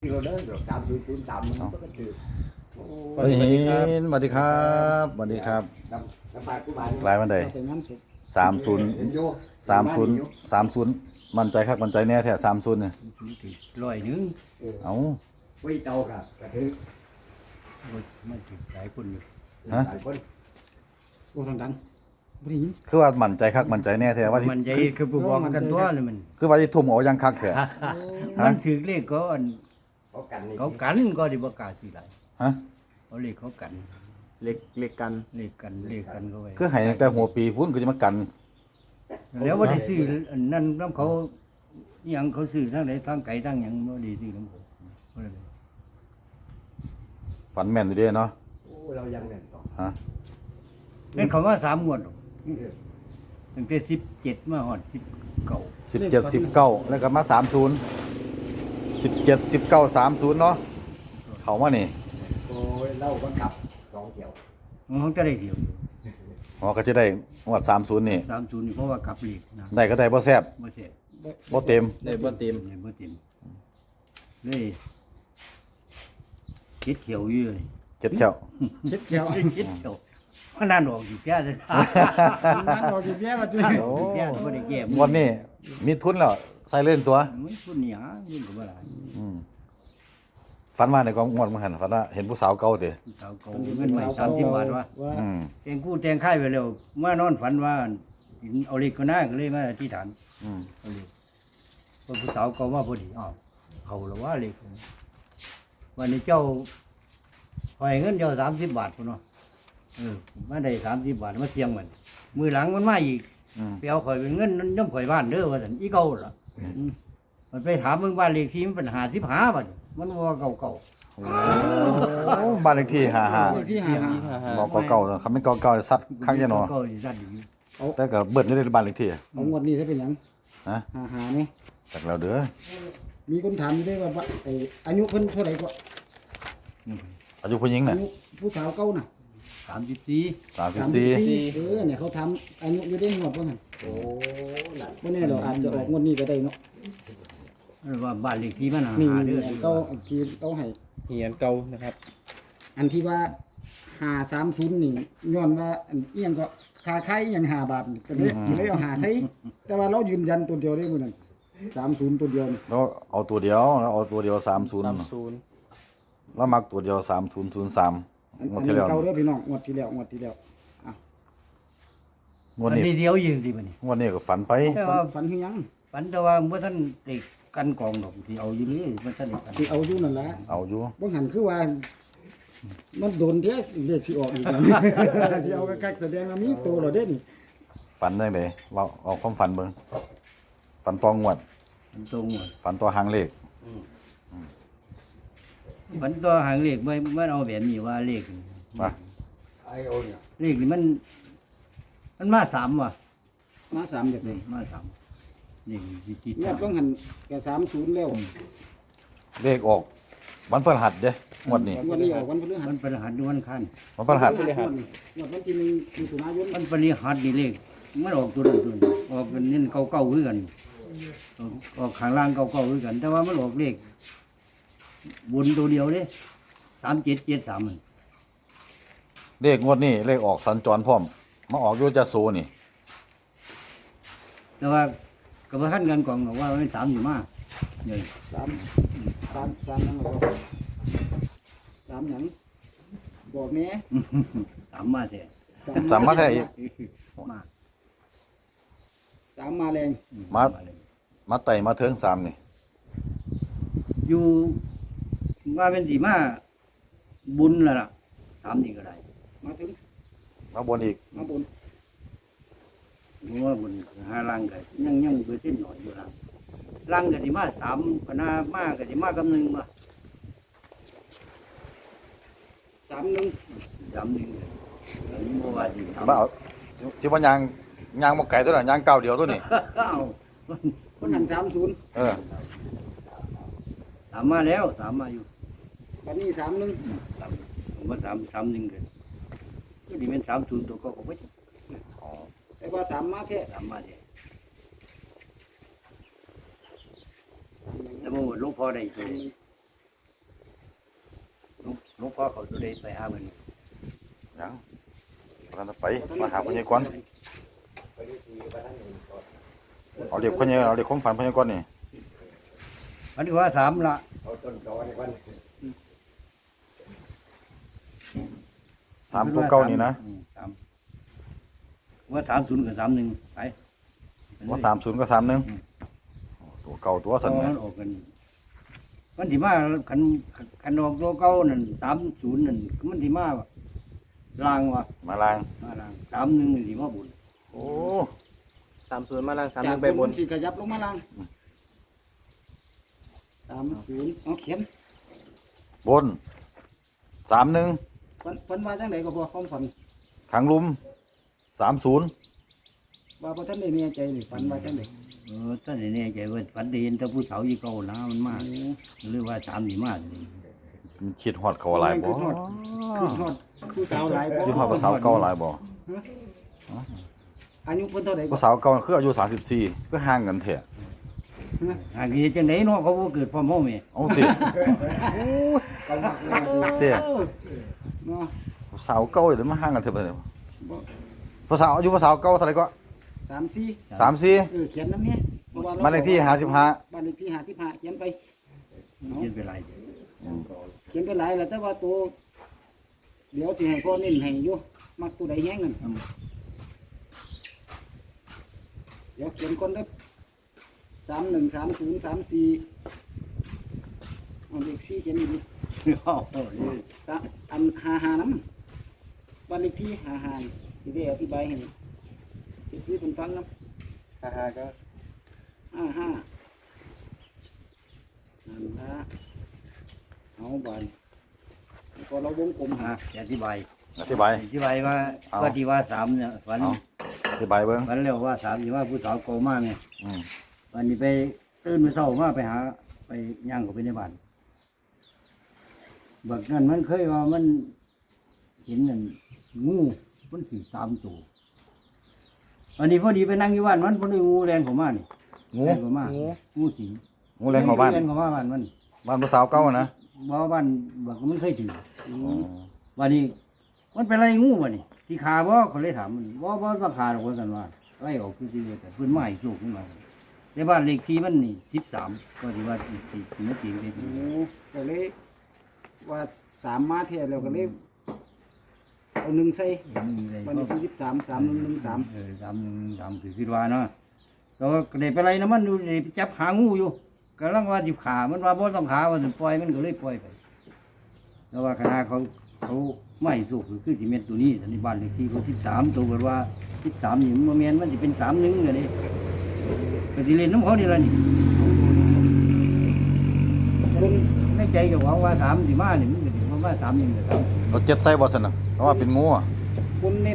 เราเดินแบบ303มันก็ถือเฮ้ยสวัสดีครับสวัสดีครับลายวันใด30มั่นใจครับมั่นใจแน่แท้30เนี่ย 100 เอ้าไว้เตาครับกระถือมันถึงหลายคนอยู่ฮะหลายคนโอ้ดังบ่ได้ยินคือว่ามั่นใจคักมั่นใจแน่แท้ว่าที่มันใจคือผู้บอกกันตัวนี่มันคือว่าที่ทุ่มเอายังคักแท้มันถือเลขก็อันเขากันนี่เขากันก็ได้บ่กล้าสิหลายฮะเขาเลขเขากันเล็กกันเลขกันเขาไว้คือให้ตั้งแต่หัวปีพุ่นก็จะมากันแล้วบ่ได้ซื้ออันนั้นนำเขาอีหยังเขาซื้อทางไหนทางไกลทางหยังบ่ได้ซื้อนำเขาบ่ได้ฝันแม่นอยู่เด้เนาะโอ้เรายังแน่นต่อฮะเล่นเขาว่า3งวดหรอกตั้งแต่17มาฮอด19 17 19แล้วก็มา30 17 19 30เนาะเข้ามานี่โอ้ยเล่าก็ขับ2เที่ยวมันจะได้เดียวอ๋อก็จะได้งวด30นี่ 30นี่เพราะว่ากลับเลขนะได้ก็ได้บ่แซ่บบ่แซ่บบ่เต็มได้บ่เต็มเลยบ่เต็มเลยคิดเขียวอยู่เลยเจ็ดแค่วคิดแก้วคิดเขียวมันนานออกอยู่แก่เลยนั่นออกอยู่แย่ว่าจุโอ้แก่บ่ได้แก่งวดนี้มีทุนแล้วใส่เล่นตัวมันพุ่นหยังยิ่งกว่าบ่ล่ะอืมฝันว่าในกองงวดมันหันฝันว่าเห็นผู้สาวเก่าเด้สาวเก่าเงินใหม่30 บาทวะอืมแต่งกู้แต่งค่ายไว้แล้วมานอนฝันว่าเอาเลขก็น่าก็เลยมาอธิษฐานอืมเอาเลขพอผู้สาวเก่ามาพอดีอ้าวเขาแล้วว่าเลขวันนี้เจ้าปล่อยเงินเจ้า30 บาทพุ่นเนาะมาได้30 บาทมาเสียงมันมือหลังมันมาอีกอืมไปเอาข่อยเป็นเงินน้ำข่อยบ้านเด้อว่าซั่นอีเก่าล่ะมันไปถามเบิ่งบ้านเลขที่มันเป็น55บัดมันว่าเก่าโอ้บ้านเลขที่ที่หา 55บอกเก่าๆคำเป็นเก่าๆซัดคักจะเนาะเก่าสิซั่นอยู่แต่ก็เบิดอยู่ในบ้านเลขที่เอางวดนี้จะเป็นหยังฮะหานี่จักแล้วเด้อมีคนถามอยู่ด้วยว่าไอ้อายุเพิ่นเท่าไหร่กว่าอายุผู้หญิงอาน่ะยุผู้สาวเก่าน่ะ 34 34 เนี่ยเขาถามอายุอยู่ได้งวดบ่หั่นโอ้นั่นบ่แน่ดอกอาจจะออกงวดนี้ก็ได้เนาะว่าบ้านเลขที่มันนี่หาเด้อเก่าที่เอาให้เหียนเก่านะครับอันที่ว่า530นี่ย้อนว่าอันเอียงก็ค่าไข่อหยัง5 บาทก็เลยเอา5ใส่แต่ว่าเรายืนยันตัวเดียวได้มื้อนั้น30ตัวเดียวนี่แล้วเอาตัวเดียวแล้วเอาตัวเดียว30 30 แล้วมักตัวเดียว3003งวดที่แล้วเก่าเด้อพี่น้องงวดที่แล้วงวดมันนี้เดียวยิงสิบัดนี้งวดนี้ก็ฝันไปแต่ว่าฝันคือหยังฝันแต่ว่าบ่ทันได้กันกองดอกที่เอาอยู่นี่มันทันได้กันสิเอาอยู่นั่นล่ะเอาอยู่บ่หันคือว่า มันโดนเด้เลขสิออกอีกแล้ว สิเอากักๆแสดงว่ามีโตแล้วเด้นี่ฝันจังได๋เราเอาความฝันเบิ่งฝันตองงวดมันตรงหมดฝันตัวหางเลขมันตัวหางเลขมันเอาแบบนี้ว่าเลขว่าไอโอเนี่ยเลขนี่มันมา3ว่ะมา3แบบนี้มา3นี่ที่งวดต้องหันก็30แล้วเลขออกวันพฤหัสเด้งวดนี้งวดนี้ออกวันพฤหัสมันประหัสวันคันวันพฤหัสงวดวันที่1มิถุนายนมันปริหัสนี่เลขมันออกตัวนั้นตัวนี้ออกเป็นนี่เก่าๆคือกันออกข้างล่างเก่าๆคือกัน แต่ว่ามันออกเลขบนตัวเดียวเด้3773มันเลขงวดนี้เลขออกสัญจรพร้อมมาออกอยู่จะโซนี่แต่ว่าก็บ่ทันกันกองหรอกว่ามัน3อยู่มาใหญ่ 3นั่นก็3หยังบอกแหน่ 3มาแท้จำมาแท้อีกมา 3มาแรงมาไต่มาเทิง3นี่อยู่ว่าเป็นสิมาบุญแล้วล่ะ3นี่ก็ได้มาถึงมาบนอีกมาบนเพราะว่าบุญหาลังก็ยังเปอร์เซ็นต์น้อยอยู่ล่ะลังก็สิมา3พนามาก็สิมากับ1มา 3นึงอันนี้บ่ว่าสิมาเอาที่ว่ายางบ่ไก่ตัวน่ะยางเก่าเดียวตัวนี้อ้าวคนหัน30 เออ 3มาแล้ว3มาอยู่บัดนี้3นึงผมว่า331ก็สิเป็น30ตัวก็บ่อ๋อแต่ว่า3มาแท้ 3มาแท้แต่บ่หลวงพ่อได้ตัวพ่อเขาตัวใดไปหาเพิ่นยังกันไปมาหาพญากรเอาเด็กพญาเอาเด็กของฝันพญากรนี่อันนี้ว่า3ละเอาต้นตอนี่ก่อน 3ตัวเก่านี่นะว่า30กับ31ไปว่า30กับ31ตัวเก่าตัวสั่นมัแม่นออกกันมันสิมาคันออกตัวเก่านั่น30นั่นมันสิมาลางว่ะมาล้างมาลาง31นี่สิมาบุญโอ้ 30มาล่างจาก 31ไปบนสิขยับลงมาล่าง30เอาเขียนบน31 ฝันว่าจังไดก็บ่ความฝันทางลุม30 ว่าบ่ทันได้แน่ใจนี่ฝันว่าจังได๋ตอนนี้ใจว่าฝันได้เห็นแต่ผู้สาวอีเก่านะมันมาหรือว่า3สิมานี่มันคิดฮอดเขาหลายบ่คือฮอดคือสาวหลายบ่คิดฮอดภาษาวเก่าหลายบ่อายุเพิ่นเท่าใดก็ภาษาวเก่าคืออายุ34คือห่างกันแท้หากสิจังได๋เนาะเขาบ่เกิดพร้อมเฮาแม่เอาติก็มักเลยเตี้ยเนาะภาษาวเก่าเดี๋ยวมาห่างกันเถอะบัดนี้บ่ภาษาวอายุภาษาวเก่าเท่าไหร่ก็ 34 34 เขียนนำเนี่ยเพราะว่าบ้านเลขที่55 บ้านเลขที่55เขียนไปเขียนไปหลายเขียนไปหลายแล้วแต่ว่าตัวเดี๋ยวสิให้พ่อเน้นให้อยู่มักตัวใดแฮงนั่นเดี๋ยวเขียนก่อนเด้อ313034เอาเลข4เขียนอีกดิ อัน55นำบ้านเลขที่55สิได้อธิบายให้ที่เพิ่นฟังนำ 55ก็ 55นั่นละเอาบานพอเราวงกลมหาอธิบายอธิบายว่าเอาว่าที่ว่า3เนี่ยฝันเอาอธิบายเบิ่งฝันแล้วว่า3สิว่าผู้สาวเก่ามาแม่อืมวันนี้ไปตื่นมาเช้ามาไปหาไปย่างเข้าไปในบ้านบักนั้นมันเคยว่ามันเห็นนั่นงูมันสิ3ตัวอันนี้พอดีไปนั่งอยู่บ้านมันพอดีงูแรงเข้ามานี่งูแรงเข้ามางูสิงงูแรงเข้าบ้านแรงเข้ามาบ้านมันบ้านภาษาวเก่านะบ่บ้านบักมันเคยถือวันนี้มันเป็นไรงูวะนี่ที่ขาบ่เขาเลยถามมันบ่ต้องขาหรอกว่ากันว่าไล่ออกคือสิแต่เพิ่นมาให้โชคขึ้นมาในบ้านเลขที่มันนี่13ก็สิว่าสิมาจริงได้ดีโอ้ก็เลยว่า3มาเท่แล้วก็เลยเอา1ใส่นี่เลยวันนี้ที่13 3113 3คือคิดว่าเนาะก็ได้ไปไรนะมันดูได้ไปจับหางูอยู่กำลังว่าสิขามันว่าบ่ต้องขาว่าสิปล่อยมันก็เลยปล่อยไปแล้วว่าคณะเขาไม่สุกคือสิเม็ดตัวนี้อันนี้บ้านเลขที่เขา13ตัวเบิดว่า13นี่มันบ่แม่นมันสิเป็น31ก็ได้ก็สิเล่นน้ำเขานี่ล่ะนี่คนในใจก็หวังว่า3สิมานี่มันก็สิบ่มา31ก็3 เอา7ใส่บ่ซั่นน่ะเพราะว่าเป็นงูอ่ะคนเน้น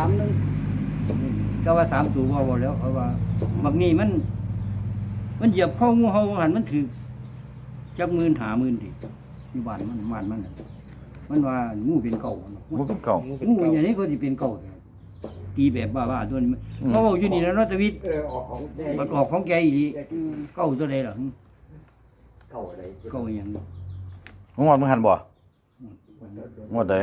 31 ก็ว่า3ตัวบ่แล้วเพราะว่าบักนี้มันเหยียบเข้างูเห่าหันมันถือจักหมื่นหาหมื่นดิอยู่บ้านมันน่ะมันว่างูเป็นเก่าเนาะงูเป็นเก่างูอย่างนี้ก็สิเป็นเก่าตีแบบบ้าๆตัวนี้เขาบอกอยู่นี่แล้วเนาะตะวิทย์ออกของแดงมันออกของแกอีหลีเก่าตัวใดล่ะเก่าอะไรเก่าอหยังงูมึงหันบ่งวดใด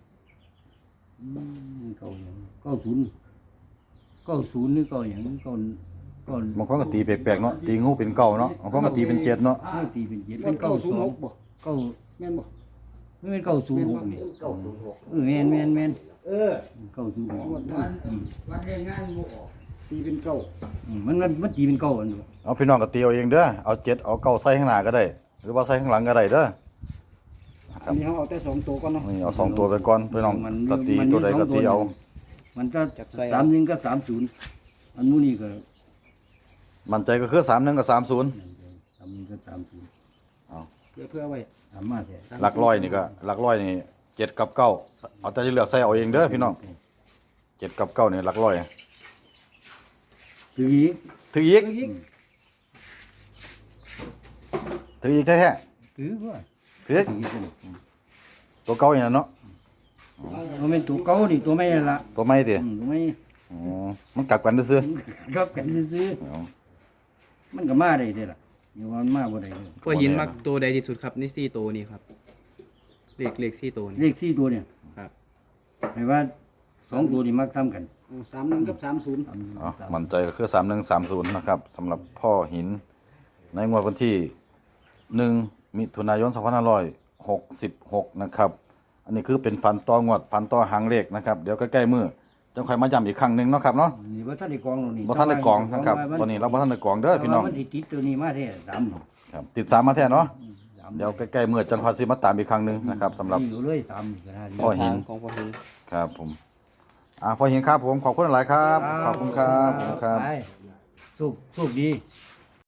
เก่าอหยัง90หรือเก่าอหยังเก่าบางคนก็ตีแปลกๆเนาะตีงูเป็นเก่าเนาะบางคนก็ตีเป็น7เนาะตีเป็น7 เป็เป็น น 906บ่เก่าแม่นบ่ไม่เป็น906นี่เก่าสูงหกแม่นเออ 906 วันเรียนงานงูออกตีเป็นเก้ามันตีเป็นเก่าอันนี้เอาพี่น้องก็ตีเอาเองเด้อเอา7เอาเก่าใส่ข้างหน้าก็ได้ หรือว่าใส่ข้างหลังก็ได้เด้ออันนี้เขาเอาแต่2ตัวก่อนเนาะนี่เอา2ตัวไปก่อนพี่น้องก็ตีตัวใดก็ตีเอามันก็31กับ30อันนู้นนี่ก็มั่นใจก็คือ31กับ30 31กับ30 เพื่อไว้ถามมาแท้หลักร้อยนี่ก็หลักร้อยนี่7กับ9เอาแต่ที่เลือกใส่เอาเองเด้อพี่น้อง7กับ9นี่หลักร้อยคืออีกถืออีกอีกถืออีกแท้ถือว่าๆถือถือเป็นตัวเก่าอย่างนั้นเนาะมันเป็นตัวเก่านี่ตัวไม่นั่นละตัวใหม่ติตัวไม่อ๋อมันกลับกันซื่อรับกันซื้อๆเอาๆมันก็มาได้เด้ล่ะอยู่ว่ามันมาบ่ได้เลยพ่อหินมักตัวใดที่สุดครับนี่4ตัวนี้ครับเลข4ตัวเลนี่ข4ตัวเนี่ยครับให้ว่า2ตัวนี่มักซ้ำกัน 31กับ30 อ๋อมั่นใจก็คือ3130นะครับสำหรับพ่อหินในงวดวันที่1มิถุนายน2566นะครับอันนี้คือเป็นฟันต่องวดฟันต่อหางเลขนะครับเดี๋ยวใกล้ๆมื้อจังค่อยมาย้ำอีกครั้งหนึงเนาะครับเนาะนี่บ่ทันได้กองหรอกนี่บ่ทันได้กองนะครับตอนนี้เราบ่ทันได้กองเด้อพี่น้องแต่ว่ามันสิติดตัวนี้มาแท้3หรอกครับติด3มาแท้เนาะ 3 เดี๋ยวใกล้ๆมื้อจังค่อยสิมาตามอีกครั้งหนึงนะครับสำหรับอยู่เลย3นี่ก็ได้พ่อหินของพ่อหินครับผมพ่อหินครับผมขอบคุณหลายครับขอบคุณครับขอบคุณครับไปสุขดี